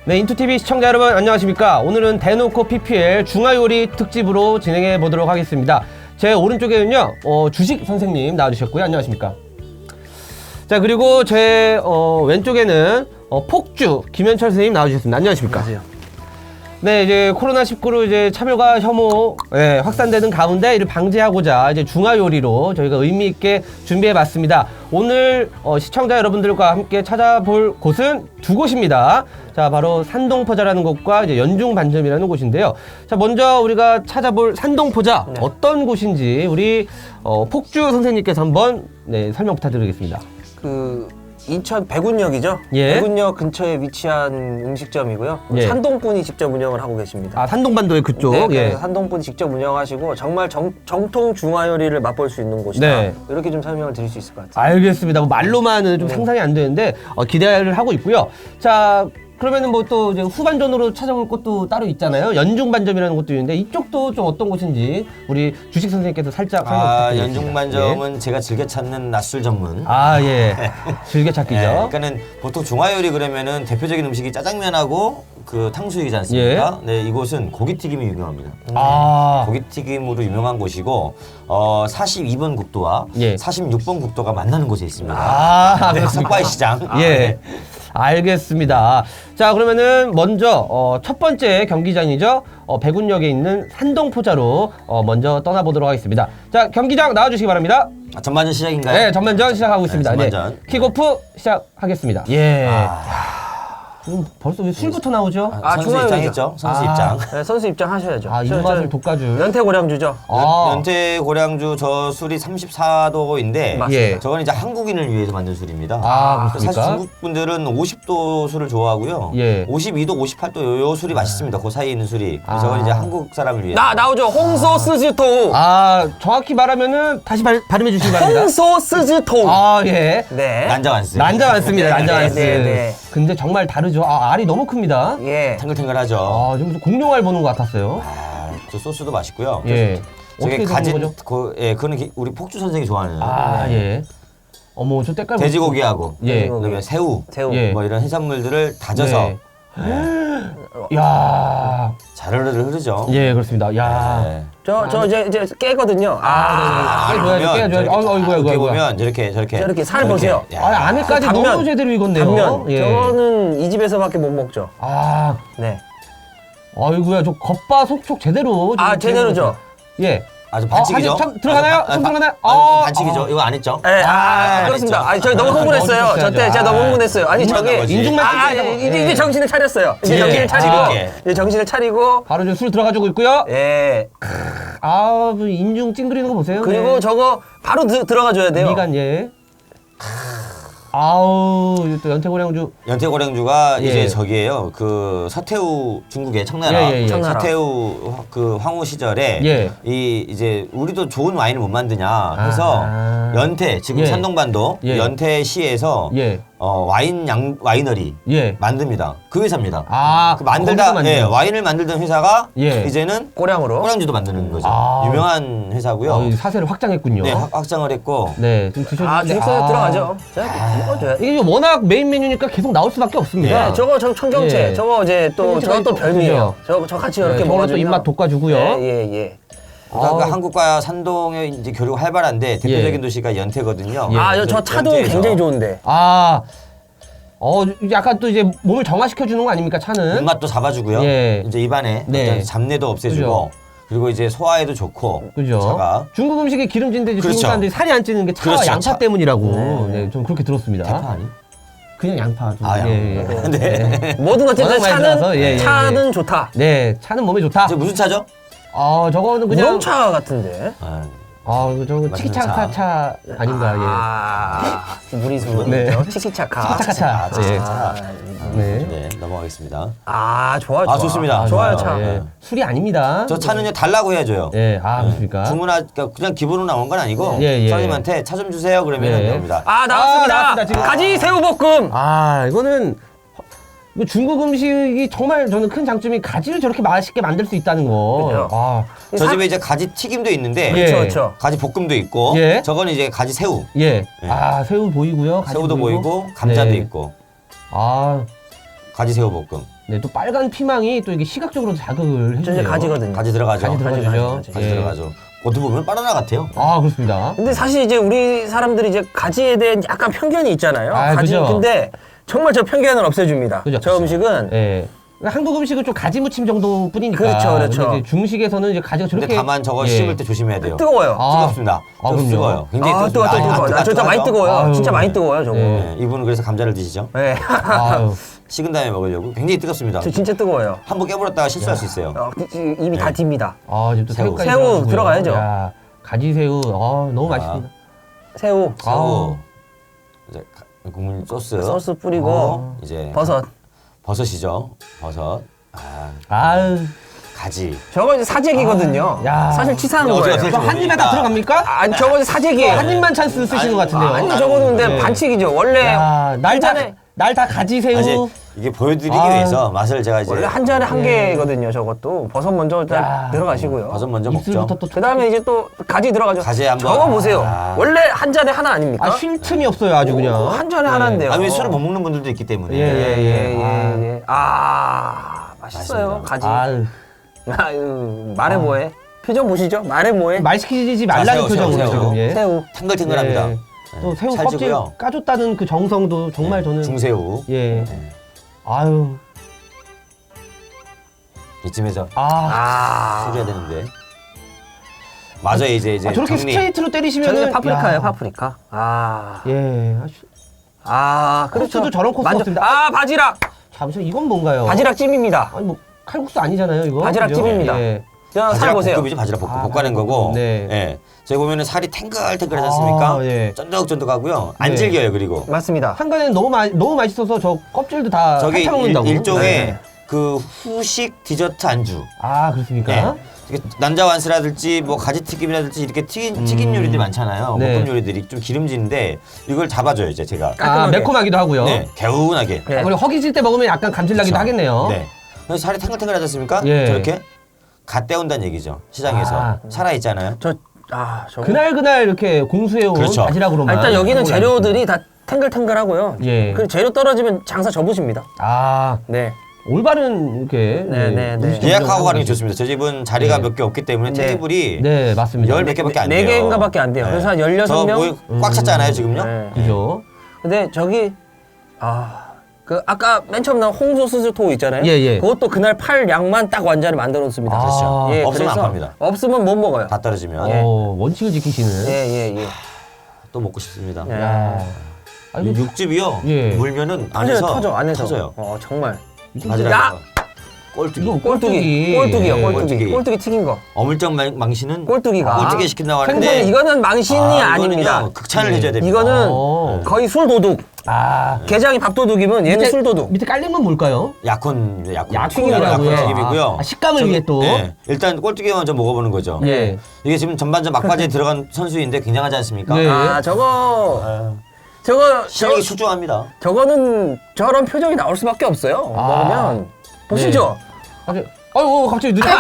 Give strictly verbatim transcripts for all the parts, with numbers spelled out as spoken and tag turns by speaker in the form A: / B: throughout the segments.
A: 네, 인투티비 시청자 여러분 안녕하십니까. 오늘은 대놓고 피피엘 중화요리 특집으로 진행해 보도록 하겠습니다. 제 오른쪽에는요 어, 주식 선생님 나와주셨고요. 안녕하십니까. 자, 그리고 제 어, 왼쪽에는 어, 폭주 김현철 선생님 나와주셨습니다. 안녕하십니까.
B: 안녕하세요.
A: 네, 이제 코로나 십구로 이제 차별과 혐오 예, 확산되는 가운데 이를 방지하고자 이제 중화요리로 저희가 의미 있게 준비해봤습니다. 오늘 어, 시청자 여러분들과 함께 찾아볼 곳은 두 곳입니다. 자, 바로 산동포자라는 곳과 이제 연중반점이라는 곳인데요. 자, 먼저 우리가 찾아볼 산동포자
B: 네.
A: 어떤 곳인지 우리 어, 폭주 선생님께서 한번 네, 설명 부탁드리겠습니다.
B: 그 인천 백운역이죠?
A: 예.
B: 백운역 근처에 위치한 음식점이고요.
A: 예.
B: 산동분이 직접 운영을 하고 계십니다.
A: 아, 산동반도의 그쪽.
B: 네,
A: 예.
B: 그래서 산동분이 직접 운영하시고 정말 정, 정통 중화요리를 맛볼 수 있는 곳이다.
A: 네.
B: 이렇게 좀 설명을 드릴 수 있을 것 같아요.
A: 알겠습니다. 뭐 말로만은 좀
B: 네.
A: 상상이 안 되는데 어, 기대를 하고 있고요. 자, 그러면은 뭐 또 이제 후반전으로 찾아볼 곳도 따로 있잖아요. 연중반점이라는 곳도 있는데 이쪽도 좀 어떤 곳인지 우리 주식 선생님께서 살짝 설명
C: 아,
A: 부탁드리겠습니다.
C: 연중반점은
A: 예.
C: 제가 즐겨 찾는 낮술 전문.
A: 아, 예. 즐겨찾기죠.
C: 예, 그러니까는 보통 중화요리 그러면은 대표적인 음식이 짜장면하고 그 탕수육이지 않습니까? 네, 이곳은 고기튀김이 유명합니다.
A: 아,
C: 고기튀김으로 유명한 곳이고 어, 사십이 번 국도와
A: 예.
C: 사십육 번 국도가 만나는 곳에 있습니다.
A: 아,
C: 네,
A: 그렇습니까?
C: 석바이 시장.
A: 예.
C: 네.
A: 알겠습니다. 자, 그러면은 먼저 어, 첫 번째 경기장이죠. 어, 백운역에 있는 산동포자로 어, 먼저 떠나보도록 하겠습니다. 자, 경기장 나와주시기 바랍니다.
C: 아, 전반전 시작인가요?
A: 네, 전반전 시작하고 있습니다. 네,
C: 전반전.
A: 킥오프 시작하겠습니다. 예.
C: 아,
A: 지금 벌써 왜 술부터 나오죠?
B: 아,
C: 선수
B: 중화요리죠.
C: 입장했죠? 선수
A: 아.
C: 입장.
B: 네, 선수 입장 하셔야죠.
A: 아,
B: 저-
A: 입맛을
B: 저
A: 돋가줄.
B: 연태고량주죠.
A: 아.
C: 연태 고량주 저 술이 삼십사 도인데
B: 맞습니다.
A: 예.
C: 저건 이제 한국인을 위해서 만든 술입니다.
A: 아,
C: 사실
A: 그렇습니까?
C: 중국 분들은 오십 도 술을 좋아하고요.
A: 예.
C: 오십이 도, 오십팔 도 요, 요 술이 맛있습니다. 그 사이에 있는 술이.
A: 아.
C: 저건 이제 한국 사람을 위해.
B: 나 나오죠. 홍소 스즈토.
A: 아, 정확히 말하면은 다시 발, 발음해 주시기 바랍니다.
B: 홍소 스즈토.
A: 아, 예.
B: 네.
C: 난자완스.
A: 난자 많습니다.
B: 네,
A: 난자
B: 네,
A: 많스.
B: 네, 네.
A: 근데 정말 다르죠. 아, 알이 너무 큽니다.
B: 예.
C: 탱글탱글하죠.
A: 아, 지금 무슨 공룡알 보는 것 같았어요.
C: 아, 저 소스도 맛있고요.
A: 예.
C: 저게
A: 어떻게
C: 가진
A: 가진 거죠?
C: 그, 예, 그거는 기- 우리 폭주 선생이 좋아하는
A: 아, 예. 어머, 저 때깔
C: 돼지고기하고
A: 예.
C: 그다음에 새우,
B: 새우.
A: 예.
C: 뭐 이런 해산물들을 다져서
A: 네. 야,
C: 자르르 흐르죠.
A: 예, 그렇습니다. 야.
C: 네.
B: 저, 저 이제, 이제 깨거든요. 아,
A: 아,
C: 안에
A: 깨줘야지,
C: 보면
A: 깨줘야지.
C: 저렇게
A: 아이고, 아이고,
C: 딱
A: 아이고,
C: 이렇게
A: 아이고.
C: 보면 저렇게 저렇게
B: 저렇게 살
C: 저렇게.
B: 보세요.
C: 야.
A: 아, 안에까지
B: 단면.
A: 너무 제대로 익었네요.
B: 단면.
A: 예.
B: 저거는 이 집에서밖에 못 먹죠.
A: 아,
B: 네.
A: 아이고야, 저 겉바속촉 제대로.
B: 아,
A: 지금
B: 제대로죠.
A: 예.
C: 아주
A: 어,
C: 반칙이죠.
A: 아직 참 들어가나요?
C: 아,
A: 손
C: 바-
A: 들어가나요?
C: 아,
A: 어,
C: 반칙이죠.
A: 어.
C: 이거 안 했죠?
B: 예, 아,
C: 아,
B: 그렇습니다.
C: 안
B: 아니, 저희 너무 흥분했어요.
A: 넣어주셔야죠.
B: 저 때 제가 너무
A: 아.
B: 흥분했어요. 아니,
C: 흥분한
B: 저기.
C: 거지.
A: 인중만
B: 아,
A: 뜯겨서.
B: 예, 이제,
A: 예.
B: 이제 정신을 차렸어요. 이제
A: 예.
B: 정신을 차리고.
C: 아.
B: 이제 정신을 차리고.
A: 바로 저 술 들어가지고 있고요.
B: 예.
A: 아, 그 인중 찡그리는 거 보세요.
B: 그리고
A: 네.
B: 저거 바로 드, 들어가 줘야 돼요.
A: 미간, 예. 아우, 이거 또 연태고량주.
C: 연태고량주가
A: 예.
C: 이제 저기예요. 그 서태후 중국의 청나라,
A: 예, 예, 예.
B: 청나라.
C: 서태후 화- 그 황후 시절에
A: 예.
C: 이 이제 우리도 좋은 와인을 못 만드냐 해서
A: 아.
C: 연태 지금
A: 예.
C: 산동반도
A: 예.
C: 연태시에서
A: 예.
C: 어, 와인 양 와이너리
A: 예.
C: 만듭니다. 그 회사입니다.
A: 아,
C: 그 만들다
A: 거기서
C: 예,
A: 만드는.
C: 와인을 만들던 회사가
A: 예.
C: 이제는
B: 꼬량으로.
C: 꼬량주도 만드는 거죠.
A: 아.
C: 유명한 회사고요.
A: 어, 이 사세를 확장했군요.
C: 네, 확- 확장을 했고
A: 네, 좀 드셔주세요.
B: 아, 중국에서 들어가죠. 자, 먹어줘야 돼.
A: 이게 워낙 메인 메뉴니까 계속 나올 수밖에 없습니다.
B: 네, 저거 저 청경채.
A: 예.
B: 저거 이제 또
A: 청경채가
B: 저거 또
A: 또
B: 별미예요. 저거 저 같이 이렇게
A: 네, 저걸로 또
B: 먹어주면
A: 입맛 돋궈주고요.
B: 예, 예, 예.
C: 그러니까
A: 아.
C: 한국과 산동의 이제 교류가 활발한데 대표적인
A: 예.
C: 도시가 연태거든요.
A: 예.
B: 아, 저, 저 차도
C: 연태에서
B: 굉장히 좋은데.
A: 아, 어, 약간 또 이제 몸을 정화시켜 주는 거 아닙니까, 차는?
C: 입맛도 잡아주고요.
A: 예.
C: 이제 입안에
A: 네.
C: 어떤 잡내도 없애주고
A: 그죠.
C: 그리고 이제 소화에도 좋고
A: 그죠?
C: 차가
A: 중국 음식이 기름진데 이제 중국
C: 그렇죠.
A: 사람들이 살이 안 찌는 게 차와
C: 그렇죠.
A: 양파
C: 차.
A: 때문이라고. 네, 좀 그렇게 들었습니다.
C: 대파 아니?
A: 그냥 양파. 좀.
C: 아, 양파.
A: 네.
B: 뭐든 어쨌든
A: 워낙 많이
B: 차는
A: 들어가서, 예, 예, 예.
B: 차는 좋다.
A: 네, 차는 몸에 좋다.
C: 저 무슨 차죠?
A: 아, 저거는 그냥.
B: 우롱차 같은데.
C: 아,
A: 아, 저거
C: 맛있는
A: 치키차카 차 아닌가,
B: 아, 무리수.
A: 네.
B: 치키차카.
A: 치키차카.
C: 아,
A: 예.
B: 아,
A: 네.
C: 네, 넘어가겠습니다.
B: 아, 좋아, 좋아.
C: 아, 좋습니다.
B: 좋아요,
A: 아,
B: 차.
A: 예. 술이 아닙니다.
C: 저 차는요 달라고 해야줘요.
A: 예, 아, 그렇습니까?
C: 주문하 그러니까 그냥 기본으로 나온 건 아니고
A: 예, 예.
C: 사장님한테 차 좀 주세요 그러면
A: 예.
C: 됩니다.
B: 아, 나왔습니다.
A: 아, 나왔습니다, 지금.
B: 가지 새우볶음.
A: 아, 이거는 이거 중국 음식이 정말 저는 큰 장점이 가지를 저렇게 맛있게 만들 수 있다는 거.
B: 그죠.
A: 아,
C: 저
B: 사-
C: 집에 이제 가지 튀김도 있는데
A: 예.
B: 그렇죠, 그렇죠.
C: 가지 볶음도 있고
A: 예.
C: 저거는 이제 가지 새우.
A: 예.
C: 예.
A: 아, 새우 보이고요. 가지
C: 새우도 보이고 감자도
A: 네.
C: 있고
A: 아,
C: 가지 새우 볶음.
A: 네, 또 빨간 피망이 또 이게 시각적으로 자극을
B: 저 이제
A: 해주네요.
B: 가지거든요.
C: 가지 들어가죠.
A: 가지 들어가죠.
B: 가지,
C: 가지
A: 예.
C: 들어가죠. 겉으로 보면 바나나 같아요.
A: 아, 그렇습니다.
B: 근데 사실 이제 우리 사람들이 이제 가지에 대한 약간 편견이 있잖아요.
A: 아,
B: 가지.
A: 그죠.
B: 근데 정말 저 편견을 없애줍니다.
A: 그죠.
B: 저 음식은
A: 예. 한국 음식은 좀 가지 무침 정도 뿐이니까.
B: 그렇죠, 그렇죠.
A: 근데 이제 중식에서는 이제 가지가 저렇게.
C: 근데 다만 저거
A: 예.
C: 씹을 때 조심해야 돼요.
B: 뜨거워요.
A: 아.
C: 뜨겁습니다.
A: 아,
C: 뜨겁-
A: 그럼요.
C: 뜨거워요. 굉장히
B: 아, 뜨거,
C: 뜨겁습니다.
B: 뜨거, 뜨거.
C: 아,
B: 아, 진짜 많이 뜨거워요.
A: 아유.
B: 진짜 많이 뜨거워요, 저거.
A: 네.
C: 네, 이분은 그래서 감자를 드시죠.
B: 네.
A: 아유.
C: 식은 다음에 먹으려고 굉장히 뜨겁습니다.
B: 저 진짜 뜨거워요.
C: 한 번 깨물었다가 실수할 수 있어요.
B: 어, 이- 입이 다 딥니다.
A: 아, 지금 또
C: 새우.
A: 새우까지
B: 새우
A: 들어가고요.
B: 들어가야죠.
A: 야, 가지 새우. 아, 너무 맛있습니다.
B: 새우,
C: 새우, 이제 가- 국물 소스,
B: 소스 뿌리고
C: 어, 이제
B: 버섯.
C: 버섯이죠. 버섯. 아,
A: 아유.
C: 가지.
B: 저거 이제 사재기거든요.
A: 아, 야.
B: 사실 치사한
C: 어떻게
B: 거예요.
C: 어떻게
A: 저 한 입에 다
C: 모르니까.
A: 들어갑니까?
B: 아니 저거 이제 사재기예요.
A: 한 입만 찬스 쓰시는 것 같은데요.
B: 아니 저거는 근데
A: 네.
B: 반칙이죠. 원래
A: 야, 날 다,
B: 잔에-
A: 날 다 가지 새우.
C: 아, 이제 이게 보여드리기
A: 아.
C: 위해서 맛을 제가 이제
B: 원래 한 잔에 한
A: 예.
B: 개거든요. 저것도 버섯 먼저 일단
A: 야.
B: 들어가시고요.
C: 버섯 먼저
A: 입술부터
C: 먹죠.
A: 또.
B: 그 다음에 이제 또 가지 들어가죠.
C: 가지 한번.
B: 저거 보세요.
C: 아.
B: 원래 한 잔에 하나 아닙니까?
A: 아, 쉴 틈이 없어요, 아주 그냥.
B: 한 잔에 하나인데요.
C: 아, 왜 술을 못 먹는 분들도 있기 때문에.
A: 예, 예, 예.
B: 예, 예, 예. 아, 맛있어요.
C: 맛있습니다.
B: 가지.
A: 아유.
B: 아유, 말해 뭐해? 표정 보시죠. 말해 뭐해?
A: 말 시키지
C: 자,
A: 말라는
C: 새우,
A: 표정으로
C: 새우,
A: 지금. 예.
B: 새우.
C: 탱글탱글합니다.
A: 예. 또
C: 네,
A: 새우 껍질
C: 찰지고요.
A: 까줬다는 그 정성도 정말 저는.
C: 중새우.
A: 예.
C: 네.
A: 아유.
C: 이쯤에서
A: 아.
B: 아,
C: 소리해야 되는데. 맞아 이제 이제
A: 아, 저렇게
C: 정리.
A: 스트레이트로 때리시면.
B: 저는 파프리카예요, 파프리카. 아,
A: 예. 아주-
B: 아, 그렇죠.
A: 코스도 저런 코스
B: 만져-
A: 없습니다.
B: 아, 바지락.
A: 잠시만, 이건 뭔가요?
B: 바지락 찜입니다.
A: 아니, 뭐, 칼국수 아니잖아요, 이거.
B: 바지락
A: 그죠?
B: 찜입니다.
A: 예.
B: 저 살
C: 바지락
B: 보세요.
C: 볶음이죠. 바지락 볶음.
A: 아,
C: 볶아낸
A: 바지락
C: 거고.
A: 볶음. 네.
C: 예. 저기 보면은 살이 탱글탱글하지 않습니까?
A: 아, 예.
C: 쫀득쫀득하고요. 안
A: 네.
C: 질겨요. 그리고
B: 맞습니다.
A: 한간에는 너무 마, 너무 맛있어서 저 껍질도 다
C: 저기
A: 핥아 먹는다고.
C: 일, 종의
B: 네.
C: 그 후식 디저트 안주.
A: 아, 그렇습니까?
C: 예. 이게 난자완스라든지 뭐 가지튀김이라든지 이렇게 튀긴, 튀긴 요리들이 많잖아요.
A: 음. 네.
C: 볶음 요리들이 좀 기름진데 이걸 잡아줘요 이제 제가.
A: 아,
B: 깔끔하게.
A: 매콤하기도 하고요.
C: 네, 개운하게.
B: 네.
A: 아, 그리고 허기질 때 먹으면 약간 감질나기도
C: 그쵸.
A: 하겠네요.
C: 네. 그래서 살이 탱글탱글하지 않습니까?
A: 예.
C: 저렇게 갓 떼온다는 얘기죠. 시장에서
A: 아.
C: 살아 있잖아요.
B: 저, 아, 저.
A: 그날 그날 이렇게 공수해온
C: 그렇죠.
A: 바지락으로만.
B: 아, 일단 여기는
A: 하고
B: 재료들이 다 탱글탱글하고요.
A: 예.
B: 그 재료 떨어지면 장사 접으십니다.
A: 아,
B: 네.
A: 올바른 이렇게
B: 네, 네, 네.
A: 음식
C: 예약하고 가는 게
A: 운영을
C: 좋습니다. 저 집은 자리가
A: 네.
C: 몇 개 없기 때문에
B: 네.
C: 테이블이
A: 네, 맞습니다.
C: 열 몇 개밖에 안
B: 네
C: 돼요.
B: 개인가밖에 안 돼요. 그래서 한 열여섯 명?
C: 저꽉 찼잖아요 지금요.
B: 네.
A: 그죠?
B: 근데 저기, 아, 그 아까 맨 처음 나온 홍소 스즈토 있잖아요.
A: 예, 예.
B: 그것도 그날 팔 양만 딱 완자를 만들어 놓습니다.
A: 아,
C: 그렇죠.
B: 예,
C: 없으면 안
B: 그래서
C: 팝니다.
B: 없으면 못 먹어요.
C: 다 떨어지면
A: 어, 원칙을 지키시는.
B: 예, 예, 예.
C: 또 먹고 싶습니다.
B: 예.
A: 야. 아,
C: 이
A: 이거
C: 육즙이요.
A: 예.
C: 물면은
B: 터져요,
C: 안에서
B: 터져, 안에서.
C: 터져요.
B: 어, 정말.
C: 바지락에서 꼴뚜기.
A: 이거
B: 꼴뚜기,
A: 꼴뚜기.
B: 꼴뚜기요,
A: 예.
B: 꼴뚜기.
C: 꼴뚜기.
B: 꼴뚜기 튀긴 거.
C: 어물쩍 망- 망신은
B: 꼴뚜기가.
C: 꼴뚜기 시킨다고
B: 생선
C: 하는데
B: 이거는 망신이
C: 아, 이거는요,
B: 아닙니다.
C: 극찬을
A: 예.
C: 해줘야 됩니다.
B: 이거는
A: 어.
B: 거의 술도둑.
A: 아,
B: 게장이 밥도둑이면 얘는
A: 밑에-
B: 술도둑.
A: 밑에 깔린 건 뭘까요?
C: 약혼 약혼
A: 약혼이라고요?
C: 약혼 튀김이고요.
A: 아, 식감을
C: 저기-
A: 위해 또.
C: 예. 일단 꼴뚜기 먼저 먹어보는 거죠.
A: 예.
C: 이게 지금 전반전 막바지에 들어간 선수인데 굉장하지 않습니까?
A: 네.
B: 아, 저거,
C: 아,
B: 저거,
C: 시력이
B: 저,
C: 수중합니다.
B: 저거는 저런 표정이 나올 수밖에 없어요.
A: 아.
B: 먹으면. 보시죠?
A: 아주, 어유, 갑자기 눈이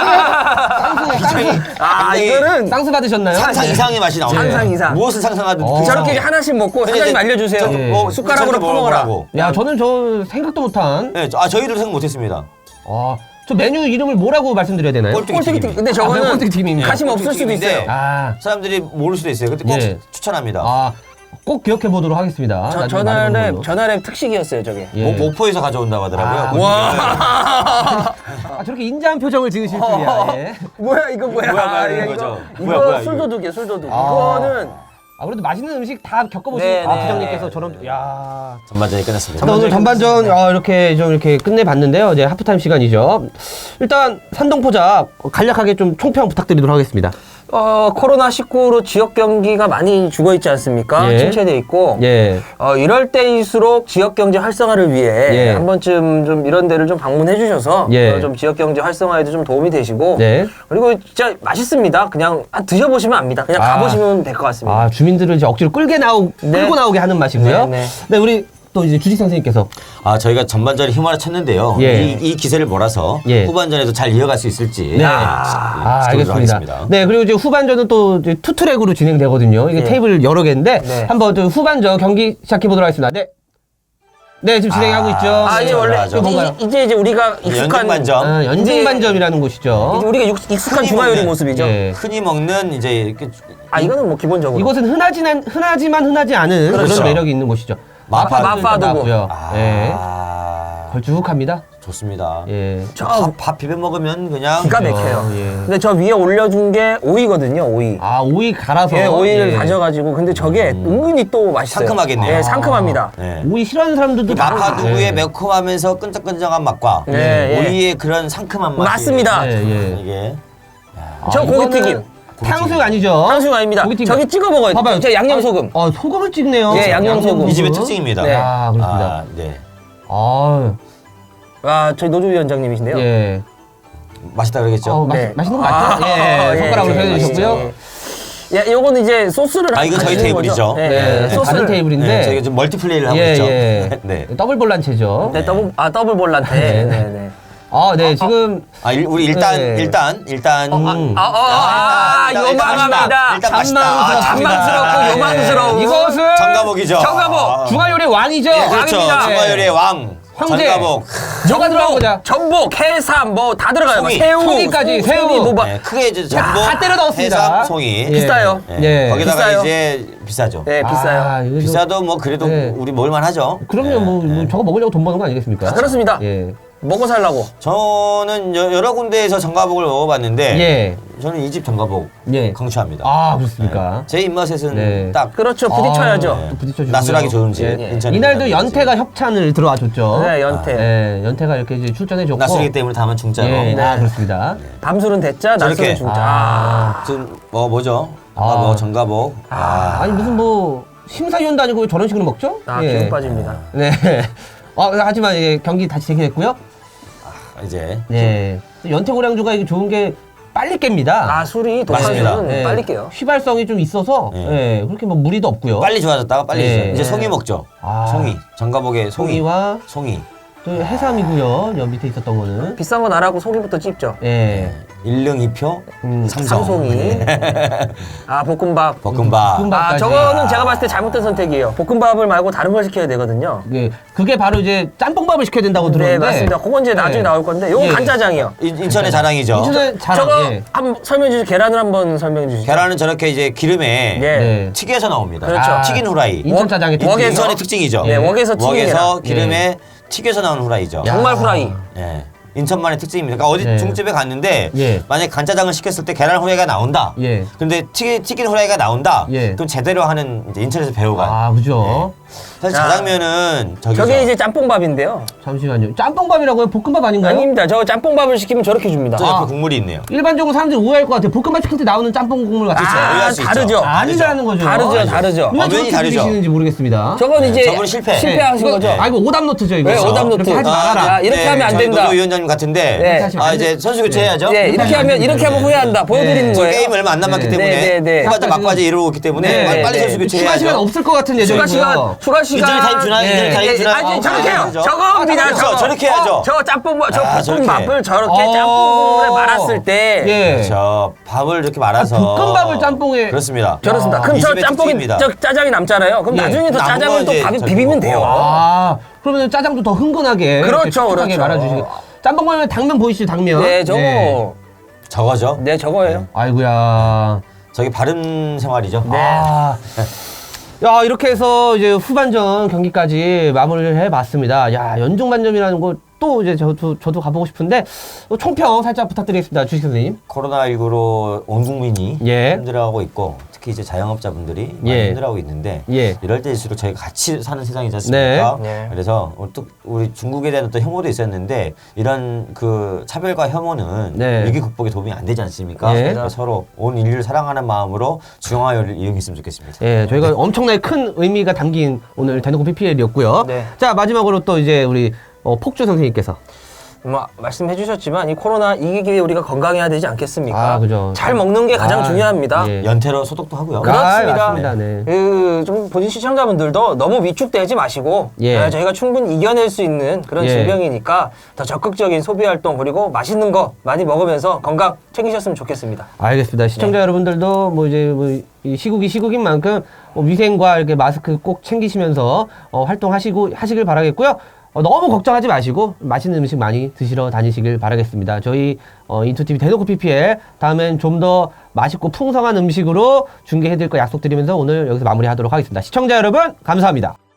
A: 쌍수, 쌍수,
B: 아,
C: 굉장히
B: 이거는
A: 쌍수 받으셨나요?
C: 상상
B: 네.
C: 이상의 맛이 나오네요.
B: 상상 이상.
C: 무엇을 상상하든
A: 어.
C: 그
B: 저렇게
C: 상황에.
B: 하나씩 먹고
C: 근데
B: 사장님
C: 이제
B: 알려주세요.
C: 저-
A: 예.
C: 뭐
B: 숟가락으로
C: 저렇게
B: 퍼먹어라.
C: 먹으라고.
A: 야, 저는 저 생각도 못한.
C: 네, 저- 아 저희도 생각 못했습니다.
A: 아, 저 메뉴 이름을 뭐라고 말씀드려야 되나요?
C: 꼴뚜기
B: 꼴뚜기
C: 튀김.
B: 튀김. 근데
A: 아,
B: 저거는
A: 꼴뚜기 튀김입니다.
B: 가심 없을 수도
C: 꼴뚜기
B: 있어요.
C: 튀김인데
A: 아,
C: 사람들이 모를 수도 있어요. 근데 꼭
A: 예.
C: 추천합니다.
A: 아, 꼭 기억해 보도록 하겠습니다.
B: 저,
A: 나중에 많이
B: 전날에,
A: 먹는 걸로.
B: 전날에 특식이었어요, 저게.
A: 예.
C: 모, 모포에서 가져온다고 하더라고요.
A: 아,
C: 그
B: 와.
A: 아, 저렇게 인자한 표정을 지으실 줄이야. 예.
B: 뭐야, 이거 뭐야.
C: 뭐야, 뭐야,
B: 아,
C: 이런
B: 이거,
C: 거죠.
B: 이거
C: 뭐야, 뭐야,
B: 술도둑이에요, 술도둑.
A: 아.
B: 이거는.
A: 아, 그래도 맛있는 음식 다 겪어보신
B: 네,
A: 아,
B: 네,
A: 부장님께서
B: 네.
A: 저런, 야.
C: 전반전이 끝났습니다.
A: 자, 오늘 전반전 아, 이렇게 좀 이렇게 끝내봤는데요. 이제 하프타임 시간이죠. 일단 산동포자 간략하게 좀 총평 부탁드리도록 하겠습니다.
B: 어, 코로나 십구로 지역 경기가 많이 죽어 있지 않습니까?
A: 예.
B: 침체돼 있고.
A: 예.
B: 어, 이럴 때일수록 지역 경제 활성화를 위해
A: 예.
B: 한 번쯤 좀 이런 데를 좀 방문해 주셔서
A: 예.
B: 어, 좀 지역 경제 활성화에도 좀 도움이 되시고.
A: 네.
B: 그리고 진짜 맛있습니다. 그냥 아, 드셔보시면 압니다. 그냥
A: 아.
B: 가보시면 될 것 같습니다.
A: 아, 주민들을 이제 억지로 끌게 나오,
B: 네.
A: 끌고 나오게 하는 맛이고요.
B: 네, 네.
A: 네, 우리 또 이제 주식 선생님께서.
C: 아 저희가 전반전에 힘을 쳤는데요.
A: 예.
C: 이, 이 기세를 몰아서
A: 예.
C: 후반전에도 잘 이어갈 수 있을지
A: 네.
C: 아,
A: 아,
C: 지켜보도록
A: 알겠습니다.
C: 하겠습니다.
A: 네, 그리고 이제 후반전은 또 이제 투트랙으로 진행되거든요. 이게
B: 네.
A: 테이블 여러 개인데
B: 네.
A: 한번 또 후반전 경기 시작해 보도록 하겠습니다. 네. 네, 지금 진행하고
C: 아,
A: 있죠.
B: 아, 이제
A: 네.
B: 원래
C: 맞아.
B: 이제,
A: 뭔가요?
B: 이제 이제 우리가 익숙한
C: 연중반점.
A: 아, 연중반점이라는 곳이죠.
B: 이제 우리가 육- 익숙한
C: 흔히
B: 중화요리
C: 먹는,
B: 모습이죠.
A: 예.
C: 흔히 먹는 이제 이렇게
B: 아, 이거는 뭐 기본적으로.
A: 이곳은 흔하지만 흔하지만 흔하지 않은
C: 그렇죠.
A: 그런 매력이 있는 곳이죠.
C: 마파-
B: 마파두부.
A: 고요
C: 아,
A: 예. 걸쭉합니다.
C: 좋습니다.
A: 예.
B: 저
C: 밥, 밥 비벼 먹으면 그냥
B: 기가 막혀요.
A: 어, 예.
B: 근데 저 위에 올려준 게 오이거든요, 오이.
A: 아, 오이 갈아서.
B: 예, 오이를
A: 예.
B: 다져가지고 근데 저게 은근히 또 맛있어요.
C: 상큼하겠네요.
B: 예, 상큼합니다.
C: 네.
A: 오이 싫어하는 사람들도
C: 마파두부의
A: 예.
C: 매콤하면서 끈적끈적한 맛과
B: 네, 예.
C: 오이의 그런 상큼한 맛이
B: 맞습니다.
A: 예, 예.
C: 이게
B: 저
A: 아,
B: 고기튀김.
A: 이거는 탕수육 아니죠?
B: 탕수육 아닙니다.
A: 고기튀김.
B: 저기 찍어 먹어요.
A: 봐봐요.
B: 저 양념 소금.
A: 어, 소금을 찍네요.
B: 예, 양념 소금.
C: 이 집의 특징입니다.
B: 네.
A: 아, 그렇습니다.
C: 아, 네.
A: 아,
B: 아, 저희 노조 위원장님이신데요.
A: 예.
C: 맛있다 그러겠죠?
A: 어, 맛,
B: 네.
A: 맛있는 거 맞죠?
B: 아,
A: 예,
B: 예,
A: 손가락으로
B: 예,
A: 표현해 주셨고요.
B: 맛있죠. 예, 요거는 이제 소스를
C: 아, 이건 저희
B: 가지는
C: 테이블이죠.
B: 거죠. 예,
A: 네,
B: 예,
A: 다른
B: 소스를
A: 테이블인데.
C: 네, 저희가 좀 멀티플레이를 하고
A: 예,
C: 있죠.
A: 예.
C: 네.
A: 더블 볼란체죠.
B: 네, 더블 아 더블 볼란테. 네, 네.
A: 아, 네, 지금
C: 아, 일, 우리 일단
A: 네.
C: 일단 일단
A: 음.
B: 아, 아, 아, 아,
C: 일단, 일단
B: 요망합니다.
C: 일단 맛있다.
B: 아, 잔망스럽고
A: 예.
B: 요망스러운.
A: 이것은
C: 정가복이죠.
B: 정가복.
C: 아.
A: 중화요리 왕이죠.
C: 예, 그렇죠.
B: 왕입니다.
C: 중화요리의 왕.
A: 황제.
C: 정가복.
A: 뭐가 들어간 거냐?
B: 전복, 해삼 뭐 다 들어가요.
C: 송이.
B: 새우,
A: 송이까지,
B: 소-
A: 새우.
B: 송이, 뭐, 막
C: 네, 크게 이제
A: 야,
C: 전복,
A: 다 때려 넣었습니다.
C: 해삼, 송이.
A: 예.
B: 비싸요.
C: 예.
A: 예.
C: 거기다가
B: 비싸요.
C: 이제 비싸죠.
B: 네, 비싸요.
A: 아, 이거 좀-
C: 비싸도 뭐 그래도
A: 네.
C: 우리 먹을만 하죠.
A: 그럼요,
C: 예,
A: 뭐, 뭐
C: 예.
A: 저거 먹으려고 돈 버는 거 아니겠습니까?
B: 그렇습니다.
A: 예.
B: 먹고 살라고.
C: 저는 여, 여러 군데에서 정가복을 먹어봤는데
A: 예.
C: 저는 이 집 정가복
A: 예.
C: 강추합니다.
A: 아, 그렇습니까?
C: 제 입맛에는
A: 네.
C: 딱
B: 그렇죠. 부딪혀야죠.
A: 아, 또 부딪혀주고요.
C: 낯설하기 좋은 집.
A: 예.
C: 인천
A: 이날도
C: 인천
A: 연태가 협찬을 들어와 줬죠.
B: 네, 연태.
A: 예, 연태가 이렇게 이제 출전해 줬고.
C: 낯설기 때문에 다만 중짜로.
A: 예,
B: 네.
A: 아, 그렇습니다.
B: 밤술은 대짜, 낮술은
C: 저렇게.
B: 중짜.
A: 아.
C: 지금 뭐 뭐죠?
A: 아.
C: 정가복, 정가복. 아,
A: 아니, 무슨 뭐, 심사위원도 아니고 저런 식으로 먹죠?
B: 아,
A: 예.
B: 기운 빠집니다.
A: 네. 어, 하지만 예, 경기 다시 재개됐고요.
C: 이제
A: 네. 또 연태고량주가 이게 좋은 게 빨리 깹니다.
B: 아, 술이 독한
C: 맞습니다.
B: 술은
A: 예.
B: 빨리 깨요.
A: 휘발성이 좀 있어서
C: 예.
A: 예, 그렇게 뭐 무리도 없고요.
C: 빨리 좋아졌다가 빨리
A: 예.
C: 이제, 이제
B: 예.
C: 송이 먹죠.
A: 아.
C: 송이. 정가복의 송이.
A: 송이와
C: 송이.
A: 또 해삼이고요. 여 밑에 있었던 거는.
B: 비싼 건 안 하고 송이부터 찝죠.
A: 예.
C: 일릉 이표
A: 음,
C: 삼성.
B: 삼송이. 아, 볶음밥.
C: 볶음밥.
A: 볶음밥.
B: 아,
A: 볶음밥까지.
B: 저거는 제가 봤을 때 잘못된 선택이에요. 볶음밥을 말고 다른 걸 시켜야 되거든요.
A: 예. 그게 바로 이제 짬뽕밥을 시켜야 된다고
B: 네,
A: 들었는데.
B: 맞습니다. 그건 이제 나중에
A: 예.
B: 나올 건데, 요건
A: 예.
B: 간짜장이요.
C: 인- 인천의 자랑이죠.
A: 인천의 자랑.
B: 저거
A: 예.
B: 한번 설명해 주시죠. 계란을 한번 설명해 주시죠.
C: 계란은 저렇게 이제 기름에
B: 예.
A: 네.
C: 튀겨서 나옵니다.
B: 그렇죠.
A: 아,
C: 튀긴 후라이.
A: 인천 짜장의
B: 웍- 웍에서-
C: 인천의 특징이죠.
B: 네, 웍에서 튀긴
C: 웍에서
B: 계란.
C: 기름에 튀겨서 나오는 후라이죠.
A: 야.
B: 정말 후라이.
C: 예. 인천만의 특징입니다. 그러니까 어디
A: 네.
C: 중집에 갔는데
A: 예.
C: 만약에 간짜장을 시켰을 때 계란 후라이가 나온다.
A: 예.
C: 근데 튀긴, 튀긴 후라이가 나온다.
A: 예.
C: 그럼 제대로 하는 이제 인천에서 배우가.
A: 아, 그죠.
C: 사실
B: 자.
C: 자장면은 저기죠.
B: 저게 이제 짬뽕밥인데요.
A: 잠시만요. 짬뽕밥이라고요? 볶음밥 아닌가요?
B: 아닙니다. 저 짬뽕밥을 시키면 저렇게 줍니다.
C: 저 옆에
A: 아.
C: 국물이 있네요.
A: 일반적으로 사람들이 오해할 것 같아요. 볶음밥 시킬 때 나오는 짬뽕 국물 같은 거.
B: 아,
C: 오해할 수 있죠.
B: 다르죠.
A: 아니라는 거죠.
B: 다르죠, 다르죠.
A: 왜
C: 어, 면이
A: 저렇게
C: 다르죠.
A: 드시는지 모르겠습니다.
B: 저건
C: 네,
B: 이제
C: 저분은 실패.
B: 실패하신
A: 이거-
B: 거죠.
A: 아, 이거 오답노트죠, 이거.
B: 네, 오답노트.
A: 이렇게 하지
B: 아,
A: 말아라.
B: 야, 이렇게 하면 안
C: 저희
B: 된다.
C: 노조위원장님 같은데.
B: 네.
C: 아 이제 선수 교체해야죠.
B: 네, 이렇게 하면 이렇게 하면 후회한다. 보여드리는
C: 저
B: 거예요.
C: 게임 얼마 안 남았기
A: 네.
C: 때문에
B: 네, 네, 네.
C: 후반전
A: 아까
C: 막바지 이루고 있기 때문에
A: 네,
C: 빨리, 빨리
B: 네.
C: 선수 교체해야죠.
A: 추가 시간 없을 것 같은 예정이고요.
B: 추가 시간, 추가 시간.
C: 인터넷 타임 주나?
A: 네.
C: 인터넷 타임 주나?
B: 아,
C: 아,
B: 저렇게 해요.
C: 그죠?
B: 저겁니다.
C: 그렇죠.
B: 저거.
C: 저렇게 해야죠.
B: 어, 저 짬뽕, 저
C: 아,
B: 볶음밥을 저렇게
A: 어.
B: 짬뽕에 말았을 때.
A: 예.
C: 그렇죠. 밥을 이렇게 말아서.
A: 아, 볶음밥을 짬뽕에.
C: 그렇습니다.
B: 저렇습니다.
A: 야,
B: 그럼
C: 이
B: 저
C: 집의
B: 짬뽕이
C: 특징입니다.
B: 저 짜장이 남잖아요. 그럼
A: 예.
B: 나중에 또
C: 남은
B: 짜장을
C: 건
B: 또
C: 이제
B: 밥에
C: 저기
B: 비비면
C: 먹고.
B: 돼요.
A: 아, 그러면 짜장도 더 흥건하게.
B: 그렇죠,
A: 이렇게 촉촉하게
B: 그렇죠.
A: 말아주시고. 짬뽕 말면 당면 보이시죠, 당면?
B: 네, 저거.
C: 저거죠.
B: 네, 저거예요.
A: 아이고야.
C: 저기 바른 생활이죠.
B: 네.
A: 아. 야, 이렇게 해서 이제 후반전 경기까지 마무리를 해봤습니다. 야, 연중반점이라는 거 또 이제 저도, 저도 가보고 싶은데, 또 총평 살짝 부탁드리겠습니다. 주식 선생님.
C: 코로나십구로 온 국민이
A: 예.
C: 힘들어하고 있고 특히 이제 자영업자분들이 많이
A: 예.
C: 힘들어하고 있는데
A: 예.
C: 이럴 때일수록 저희가 같이 사는 세상이지 않습니까?
B: 네. 네.
C: 그래서 또 우리 중국에 대한 어떤 혐오도 있었는데 이런 그 차별과 혐오는
A: 네.
C: 위기 극복에 도움이 안 되지 않습니까?
A: 예.
C: 그래서 서로 온 인류를 사랑하는 마음으로 중화요리를 이용했으면 좋겠습니다.
A: 예, 저희가 엄청나게 큰 의미가 담긴 오늘 대놓고 피피엘이었고요.
B: 네.
A: 자, 마지막으로 또 이제 우리 어, 폭주 선생님께서.
B: 뭐 말씀해 주셨지만 이 코로나 이기기 위해 우리가 건강해야 되지 않겠습니까?
A: 아, 그죠.
B: 잘 먹는 게 가장
A: 아,
B: 중요합니다.
A: 예.
C: 연태로 소독도 하고요.
B: 그렇습니다.
A: 아, 맞습니다. 네.
B: 그, 좀 보신 시청자분들도 너무 위축되지 마시고
A: 예.
B: 네, 저희가 충분히 이겨낼 수 있는 그런
A: 예.
B: 질병이니까 더 적극적인 소비 활동 그리고 맛있는 거 많이 먹으면서 건강 챙기셨으면 좋겠습니다.
A: 알겠습니다. 시청자
B: 네.
A: 여러분들도 뭐 이제 뭐이 시국이 시국인 만큼 뭐 위생과 이렇게 마스크 꼭 챙기시면서 어, 활동하시고 하시길 바라겠고요. 어, 너무 걱정하지 마시고 맛있는 음식 많이 드시러 다니시길 바라겠습니다. 저희 어, 인투티비 대놓고 피피엘 다음엔 좀 더 맛있고 풍성한 음식으로 중계해드릴 거 약속드리면서 오늘 여기서 마무리하도록 하겠습니다. 시청자 여러분 감사합니다.